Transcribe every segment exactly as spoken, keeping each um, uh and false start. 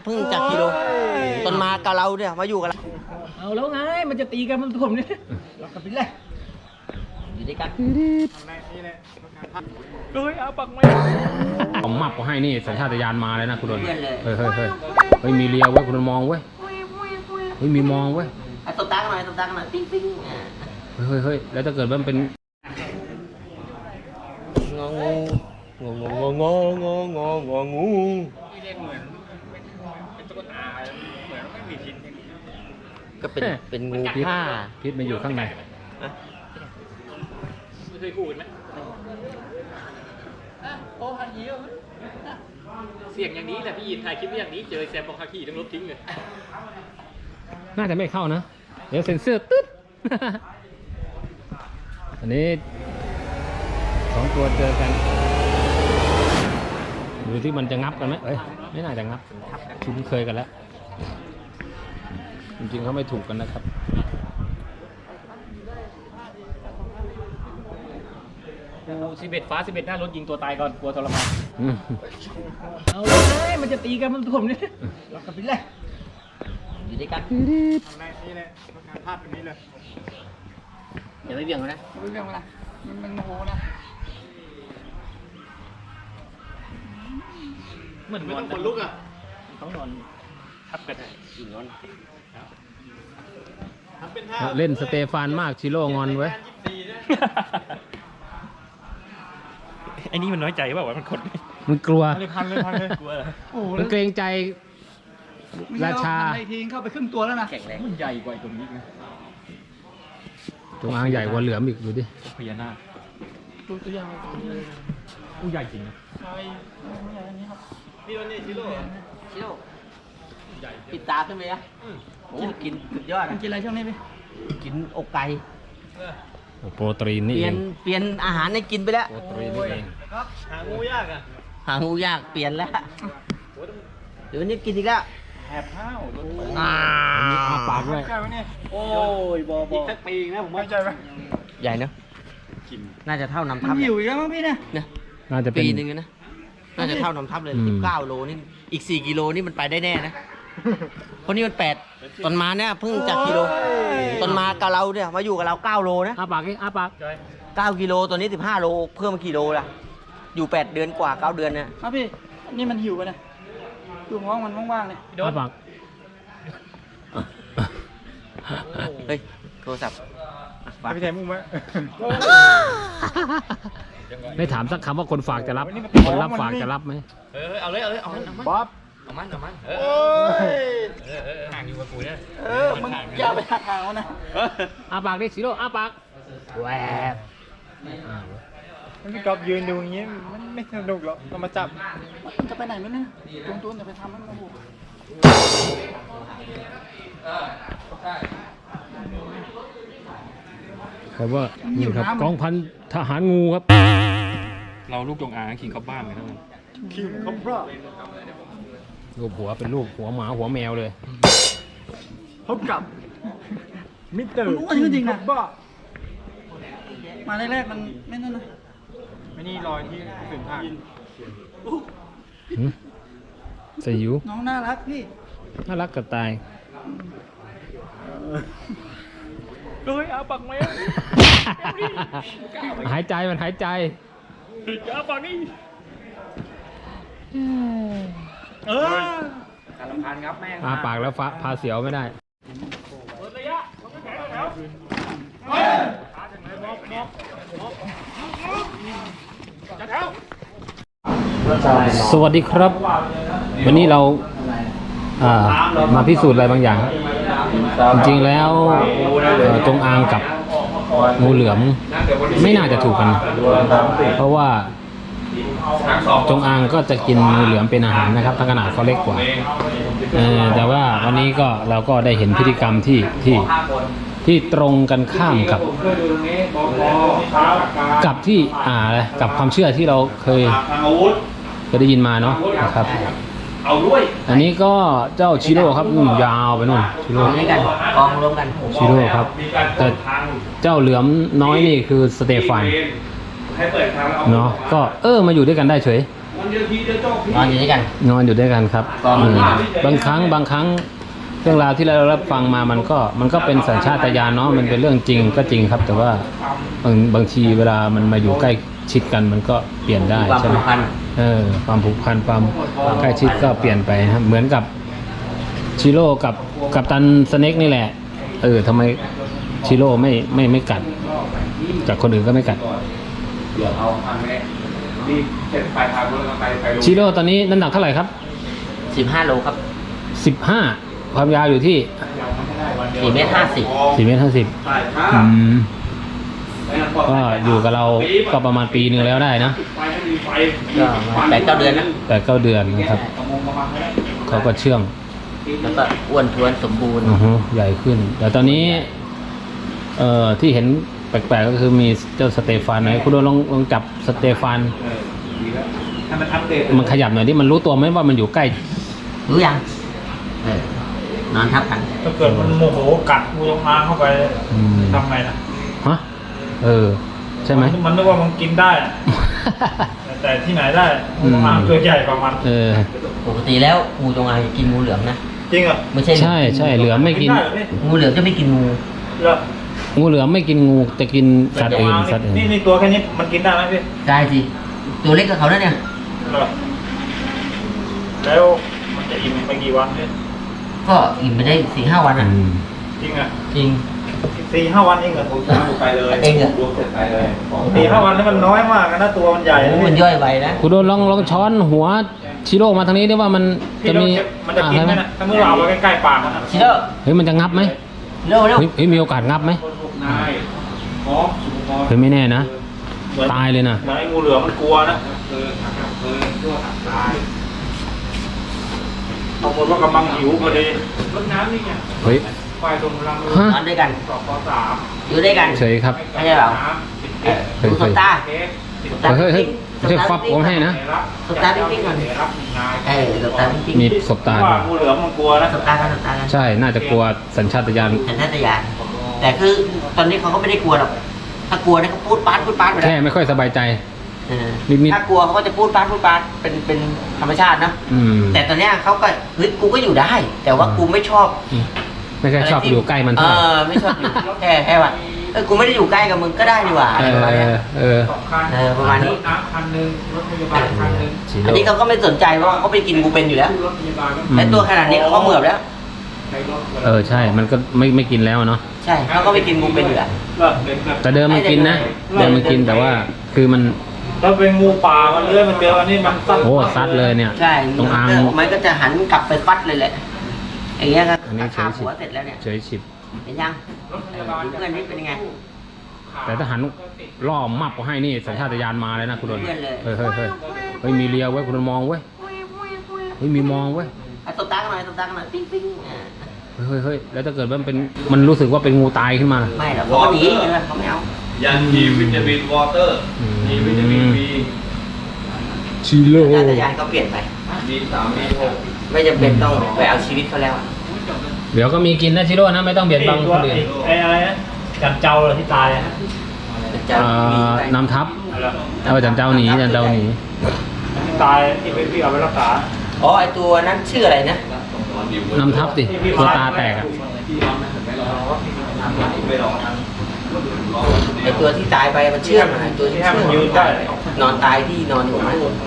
พิ่งจากกิโลตอนมากับเราเนี่ยมาอยู่กับเราเอาแล้วไงมันจะตีกันมันผมเนี่ยเรากลับไปเลยอยู่ด้วยกันเลยเอาปักไม่ผมมับก็ให้นี่สัญชาตญาณมาเลยนะคุณดนเฮ้ยเฮ้ยเฮ้ยเฮ้ยมีเลียวเว้ยคุณดนมองเว้ยเฮ้ยมีมองเว้ยตบตาหน่อยตบตาหน่อยปิ๊งปิ๊งเฮ้ยเฮ้ยเฮ้ยแล้วถ้าเกิดมันเป็นงงงงงงงงงงงงูก็เป็นเป็นงูผ้าพิษมันอยู่ข้างในไม่เคยพูดไหมโอ้ฮันยีเสียงอย่างนี้แหละพี่ยินถ่ายคลิปอย่างนี้เจอแซมบอกคาขี้ต้องลบทิ้งเลยน่าจะไม่เข้านะเดี๋ยวเซ็นเซอร์ตึ๊ดอันนี้สองตัวเจอกันดูที่มันจะงับกันไหมเอ้ยไม่น่าจะงับคุ้นเคยกันแล้วจริงๆเขาไม่ถูกกันนะครับกูสิบเอ็ดฟ้าสิบเอ็ดหน้ารถยิงตัวตายก่อนกลัวทรมานเอาเลยมันจะตีกันมันผมเนี่ยเรากลับไปเลยอยู่ด้วยกันนี่เลยพลาดตรงนี้เลยอย่าไปเบี่ยงนะไม่เบี่ยงนะมันมันโมโหนะเหมือนไม่ต้องคนลุกอ่ะต้องนอนทับกันอีกนอนเล่นสเตฟานมากชิโร่งอนไว้ไอ้นี่มันน้อยใจเปล่าวะมันคนมันกลัวเลยพันเลยพันเลยกลัวมันเกรงใจราชาไอ้ทีเข้าไปครึ่งตัวแล้วนะแข็งแรงมันใหญ่กว่าตรงนี้นะจงอางใหญ่กว่าเหลือมอีกดูดิพญานาคตัวตัวใหญ่อู้ใหญ่จริงนะใช่ใหญ่อันนี้ครับนี่ตัวนี้ชิโร่ชิโร่ปิดตาขึ้นไหมนะโอ้กินสุดยอดกินอะไรช่วงนี้พี่กินอกไก่โปรตีนนี่เปลี่ยนเปลี่ยนอาหารให้กินไปแล้วโปรตีนนี่เองหางูยากอ่ะหางูยากเปลี่ยนแล้วเดี๋ยวนี้กินอีกแล้วแหบข้าวอ่าปากด้วยโอ้ยบอบอีกสักปีนะผมว่าใจไหมใหญ่เนอะน่าจะเท่านำทัพอยู่อีกแล้วมั้งพี่เนี่ยน่าจะปีนึงนะน่าจะเท่านำทัพเลยสิบเก้าโลนี่อีกสี่กิโลนี่มันไปได้แน่นะเพราะนี่มันแปดตอนมาเนี่ยเพิ่งจากกิโลตอนมากับเราเนี่ยมาอยู่กับเราเก้าโลนะอาปากอาปากเก้ากิโลตัวนี้สิบห้าโลเพิ่มมากี่โลล่ะอยู่แปดเดือนกว่าเก้าเดือนเนี่ยครับพี่นี่มันหิวไปนะดูห้องมันว่างๆเลยอาปากเฮ้ยโทรศัพท์พี่แทนมุ้งไหมไม่ถามสักคำว่าคนฝากจะรับคนรับฝากจะรับไหมเออเอาเลยเอาเลยเอามันบ๊อบเอามันเอามันเออห่างอยู่กับกูเนี่ยเออมึงอย่าไปห่างเขานะอาปากดิสิโร่อาปากแหวกมันไม่กอบยืนดูอย่างงี้มันไม่สนุกหรอกเรามาจับมันจะไปไหนมั้ยเนี่ยตุ้นตุ้นจะไปทำมันมาบุกครับว่านี่ครับกองพันทหารงูครับเราลูกจงอางคิงคับบ้านเลยนะคิงคับบ้านรูปหัวเป็นรูปหัวหมาหัวแมวเลยพบกับมิสเตอร์จริงๆนะบ้ามาแรกๆมันไม่นั่นนะไม่นี่รอยที่ถึงทางสยิวน้องน่ารักพี่น่ารักกับตายเลยอาปักไหมหายใจมันหายใจอาปักนี่เออการลำพันครับแม่อาปากแล้วฟ้าพาเสียวไม่ได้สวัสดีครับวันนี้เรามาพิสูจน์อะไรบางอย่างจริงๆแล้วจงอางกับงูเหลือมไม่น่าจะถูกกันเพราะว่าจงอางก็จะกินงูเหลือมเป็นอาหารนะครับทั้งขนาดเขาเล็กกว่าแต่ว่าวันนี้ก็เราก็ได้เห็นพฤติกรรมที่ที่ที่ตรงกันข้ามกับกับที่อ่ากับความเชื่อที่เราเคยเคยได้ยินมาเนาะนะครับอันนี้ก็เจ้าชิโร่ครับนู่นยาวไปนู่นชิโร่กองรวมกันชิโร่ครับแต่เจ้าเหลือมน้อยนี่คือสเตฟานเนาะก็เออมาอยู่ด้วยกันได้เฉยนอนอยู่ด้วยกันนอนอยู่ด้วยกันครับก็มันอืมบางครั้งบางครั้งเรื่องราวที่เรารับฟังมามันก็มันก็เป็นสัญชาตญาณเนาะมันเป็นเรื่องจริงก็จริงครับ แต่ว่าบางบางทีเวลามันมาอยู่ใกล้ชิดกันมันก็เปลี่ยนได้ความใช่ไหมผูกพันเออความผูกพันความใกล้ชิดก็เปลี่ยนไปนะครับเหมือนกับชิโร่กับกับตันสเน็กนี่แหละเออทำไมชิโร่ไม่ไม่ไม่กัดจากคนอื่นก็ไม่กัดชิโร่ตอนนี้น้ำหนักเท่าไหร่ครับสิบห้าโลครับสิบห้าความยาวอยู่ที่สี่เมตรห้าสิบสี่เมตรห้าสิบอืมก็อยู่กับเราก็ประมาณปีหนึ่งแล้วได้นะก็แปดเก้าเดือนนะแต่เก้าเดือนนะครับเขาก็เชื่องแล้วก็อ้วนท้วนสมบูรณ์อือฮึใหญ่ขึ้น แต่ตอนนี้เอ่อที่เห็นแปลกๆก็คือมีเจ้าสเตฟานหน่อยคุณโดนลองลองจับสเตฟานมันขยับหน่อยที่มันรู้ตัวไหมว่ามันอยู่ใกล้รู้ยังเออนอนทับกันถ้าเกิดมันโมโหกัดงูจงอางเข้าไปอืมทำไงนะฮะเออใช่ไหมมันนึกว่ามันกินได้อะแต่แต่ที่ไหนได้งูจงอางตัวใหญ่กว่ามันเออปกติแล้วงูจงอางจะกินงูเหลือมนะจริงเหรอ่ะไม่ใช่ใช่ใช่เหลือมไม่กินได้เหรอพี่งูเหลือมจะไม่กินงูเหรองูเหลือมไม่กินงูแต่กินสัตว์อื่นสัตว์อื่นนี่นี่ตัวแค่นี้มันกินได้ไหมพี่ได้สิตัวเล็กกับเขานะเนี่ยเหรอแล้วมันจะอิ่มไปกี่วันเนี่ยก็อิ่มไปได้สี่ห้าวันอ่ะอืมจริงอ่ะจริงสี่ห้าวันเองเหรอไปเลยเองเหรอรวมเสร็จไปเลยสี่ห้าวันนี่มันน้อยมากนะตัวมันใหญ่โอ้มันย่อยไวนะคุณโดนลองลองช้อนหัวชิโร่มาทางนี้ได้ว่ามันพี่จะเรามีเก็บมันจะกินไหมอ่านะถ้าเมื่อเราเอาไว้ใกล้ๆปากมันนะชิโร่เฮ้ยมันจะงับไหมเร็วเร็วเฮ้ยเฮ้ยมีโอกาสงับไหมนายพร้อมสุภาพเฮ้ยไม่แน่นะเหมือนตายเลยนะเหมือนไอ้งูเหลือมมันกลัวนะเออเออตัวหักตายบางคนว่ากำลังหิวพอดีรถน้ำนี่ไงเฮ้ยไฟตรงรังฮะนอนด้วยกันสองปสามอยู่ด้วยกันเฉยครับไม่ใช่เหรอน้ำสิบเอเอ็ดอดูสบตาเค้กสบตาเฮ้ยเฮ้ยปิ๊งไม่ใช่ฟับผมให้นะรับสบตาปิ๊งๆก่อนรับนายเออสบตาปิ๊งมีสบตาว่าด้วยงูเหลือมมันกลัวนะสบตากันสบตากันใช่น่าจะกลัวสัญชาตญาณสัญชาตญาณแต่คือตอนนี้เขาก็ไม่ได้กลัวหรอกถ้ากลัวเนี่ยเขาพูดปาดพูดปาดไปแล้แค่วไม่ค่อยสบายใจเออนิดๆถ้ากลัวเขาก็จะพูดปาดพูดปาดเป็นเป็นธรรมชาตินะอืมแต่ตอนเนี้ยเขาก็เฮ้ยกูก็อยู่ได้ แต่ว่ากูไม่ชอบไม่ค่อยชอบะรที่อยู่ใกล้มันเอเท่าไหร่อไม่ชอบอยู่แค่แค่ว่าเออกูไม่ได้อยู่ใกล้กับมึงก็ได้นี่หว่าอะเอไรประมาณเนี้ยอเออสองคันเออประมาณนี้รถน้ำคันหนึ่งรถพยาบาลคันหนึ่งชิอันโร่นี้เขาก็ไม่สนใจเพราะว่าเขาไปกินกูเป็นอยู่แล้วรถพยาบาลก็อืมและตัวขนาดนี้เขาก็เหมือบแล้วใช้รถเออใช่มันก็ไม่ไม่กินแล้วเนาะใช่เขาก็ไปกินกูเป็นอยู่แล้วเหรอเป็นแบบแต่เดิมมันกินนะเดิมมันกินแต่ว่าคือมันถ้าเป็นงูป่ามันเลื้อยมันเจออันนี้มันซัดโอ้ซัดเลยเนี่ยใช่ตรงอ่างมันก็จะหันกลับไปฟัดเลยแหละอย่างเงี้ยครับอันนี้เฉคาย หัวเสร็จแล้วเนี่ยเฉยฉิบเห็นยังเออเพื่อนนี่เป็นยังไงแต่ถ้าหันล่อมับก็ให้นี่สัญชาตญาณมาเลยนะคุณโดนเพื่อนเลยเฮ้ยเฮ้ยเฮ้ยเฮ้ยมีเลียไว้ยคุณโดนมองไว้ยเฮ้ยมีมองไว้ยอ่ะตบตากันหน่อยตบตากันหน่อยปิ้งปิ้งอ่าเฮ้ยเฮ้ยเฮ้ยแล้วถ้าเกิดมันเป็นมันรู้สึกว่าเป็นงูตายขึ้นมาไม่หรอกเขาก็หนีเลยเขาไม่เอายันทีวิตามินวอเตอร์อืมทีวิตามินบีชิโร่สัญชาตญาณก็เปลี่ยนไปบีสามบีหกไม่จำเป็นต้องไปเอาชีวิตเขาแล้วอะเดี๋ยวก็มีกินนะชิโร่นะไม่ต้องเบียดบังตัคว นอื่นไอ้อะไรนะจันเจ้าเลยที่ตายอะจะเอ่มีอไปนำทัพอะไรเออจันเจ้าหนีจันเจ้าหนีที่ตายที่เป็นพี่เอาไปรักษาอ๋อไอตัวนั้นชื่ออะไรนะนำทัพสิตัวตาแตกอะไอตัวที่ตายไปมันเชื่องอะไอตัวที่เชื่องนอนตายที่นอนอยู่นะเนอะ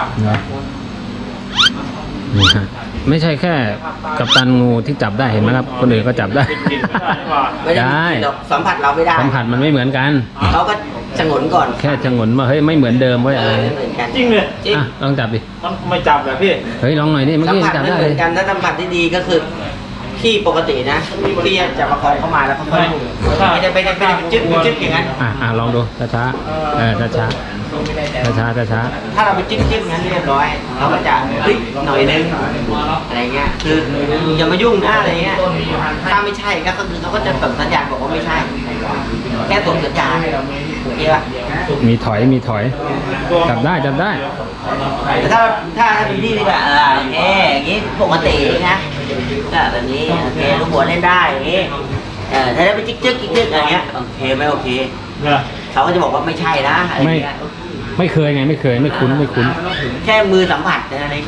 นี่ฮะไม่ใช่แค่กัปตันงูที่จับได้เห็นไหมครับ คนอื่นก็จับได้กินไม่ได้นี่หว่าไม่ได้มีกลิ่นหรอกสัมผัสเราไม่ได้สัมผัสมันไม่เหมือนกันเขาก็ชะงนก่อนแค่ชะงนว่าเฮ้ยไม่เหมือนเดิมเว้ยเออะไรอไม่เหมือนกันจริงเลยจริงอ่ะลองจับดิมันไม่จับแบบพี่เฮ้ยลองหน่อยดิเมื่อสัมกี้ผัสจับไม่ได้เหเลมือย นกันถ้าสัมผัสที่ดีก็คือที่ปกตินะที่จะประคองเข้ามาแล้วเขาค่อยพูดไม่ได้ไม่ได้ไม่ได้จึ๊กจึ๊กอย่างนั้นอ่ะอ่ะลองดูช้าช้าๆเออช้าช้าช้าช้าช้าช้าถ้าเราไปจึ๊กจึ๊กงั้นเรียบร้อยเราก็จะเฮ้ยหน่อยนึงอะไรเงี้ยคืออย่ามายุ่งนะอะไรเงี้ยถ้าไม่ใช่ก็คือเขาก็จะส่งสัญญาณบอกว่าไม่ใช่แค่ส่งสัญญาณโอเคป่ะๆมีถอยมีถอย จับได้จับได้แต่ถ้าถ้าถ้าเป็นพี่ที่แบบเออโอเคอย่างงี้ปกตินะก็แบบนี้โอเคลูกหัวเล่นได้อย่างงี้เออถ้าได้ไปจิ๊กจิ๊กจิ๊กจิ๊กอะไรเงี้ยโอเคไม่โอเคเนี่ยเขาก็จะบอกว่าไม่ใช่นะอะไรเงี้ยไไม่เคยไงไม่เคยไม่คุ้นไม่คุ้นแค่มือสัมผัสแค่นั้นเอง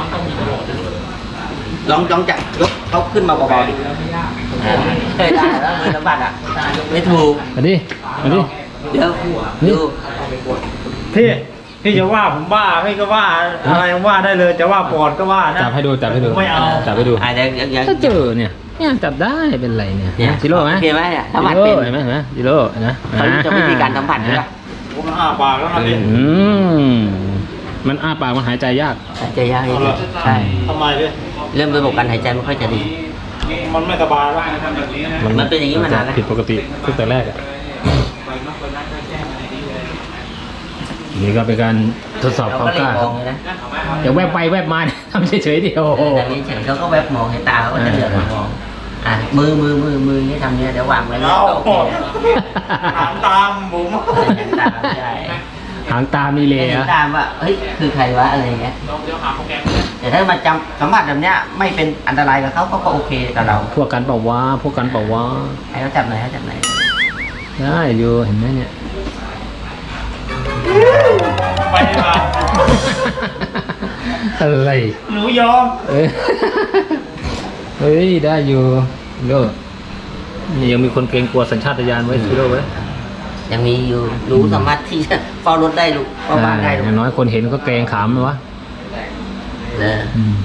ลองลองจับยกเขาขึ้นมาเบาๆดิเคยได้แล้วมือสัมผัสอ่ะไม่ถูกอันนี้อันนี้เดี๋ยวนี่ดูพี่พี่จะว่าผมบ้าพี่ก็ว่าอะไรว่าได้เลยจะว่าปอดก็ว่านะจับให้ดูจับให้ดูไม่เอาจับให้ดูอ่ะเดี๋ยวเดี๋ยวเดี๋ยวถ้าเจอเนี่ยเนี่ยจับได้เป็นไรเนี่ยเนี่ยจิโร่ไหมโอเคไหมเนี่ยสัมผัสจิเป็โร่นเห็นไหมเห็นไหมจิโร่เห็นะเขาจะวิธีการสัมผัสใช่ไหมผมอ้าปากแล้วนะพี่อืมมันอ้าปากมันหายใจยากหายใจยากนิดนึงใช่ทำไมพี่เริ่มระบบการหายใจไม่ค่อยจะดีมันไม่สบายแล้วมันเป็นอย่างนี้มานานแล้วผิดปกติตั้งแต่แรกอ่ะนี่ก็เป็นการทดสอบเราความก็กเลยล้ามองเลยนะอย่าแวบไปแวบมาเนี่ยทำเฉยๆเดียวอย่างนี้เฉยเขาก็แวบมองเห็นตาเขาก็จะเหลือบมามองอ่ะมือมือมือมือนี่ทำเนี่ยเดี๋ยววางไว้แล้วก็โอเคนะถามตามผมเห็นตาใช่หางตามีเลเห็นอะตามว่าเฮ้ยคือใครวะอะไรเงี้ยแต่ถ้ามาจำสัมผัสแบบเนี้ยไม่เป็นอันตรายกับเขาเขาก็โอเคกับเราพวกกันเปล่าวะพวกกันเปล่าวะให้เขาจับหน่อยให้จับหน่อยได้อยู่เห็นไหมเนี่ยไปดีกว่าอะไรหนูยอมเอ้ยเฮ้ยได้อยู่โลนี่ยังมีคนเกรงกลัวสัญชาตญาณไว้ซิโร่ไว้ยังมีอยู่รู้สามารถที่จะเฝ้ารถได้ลูกเฝ้าบ้านได้ลูกอย่างน้อยคนเห็นก็เกรงขามเลยวะเอออืม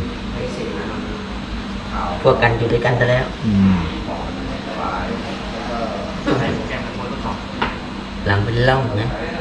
พวกกันอยู่ด้วยกันซะแล้วอืมหลังเป็นร่องนะ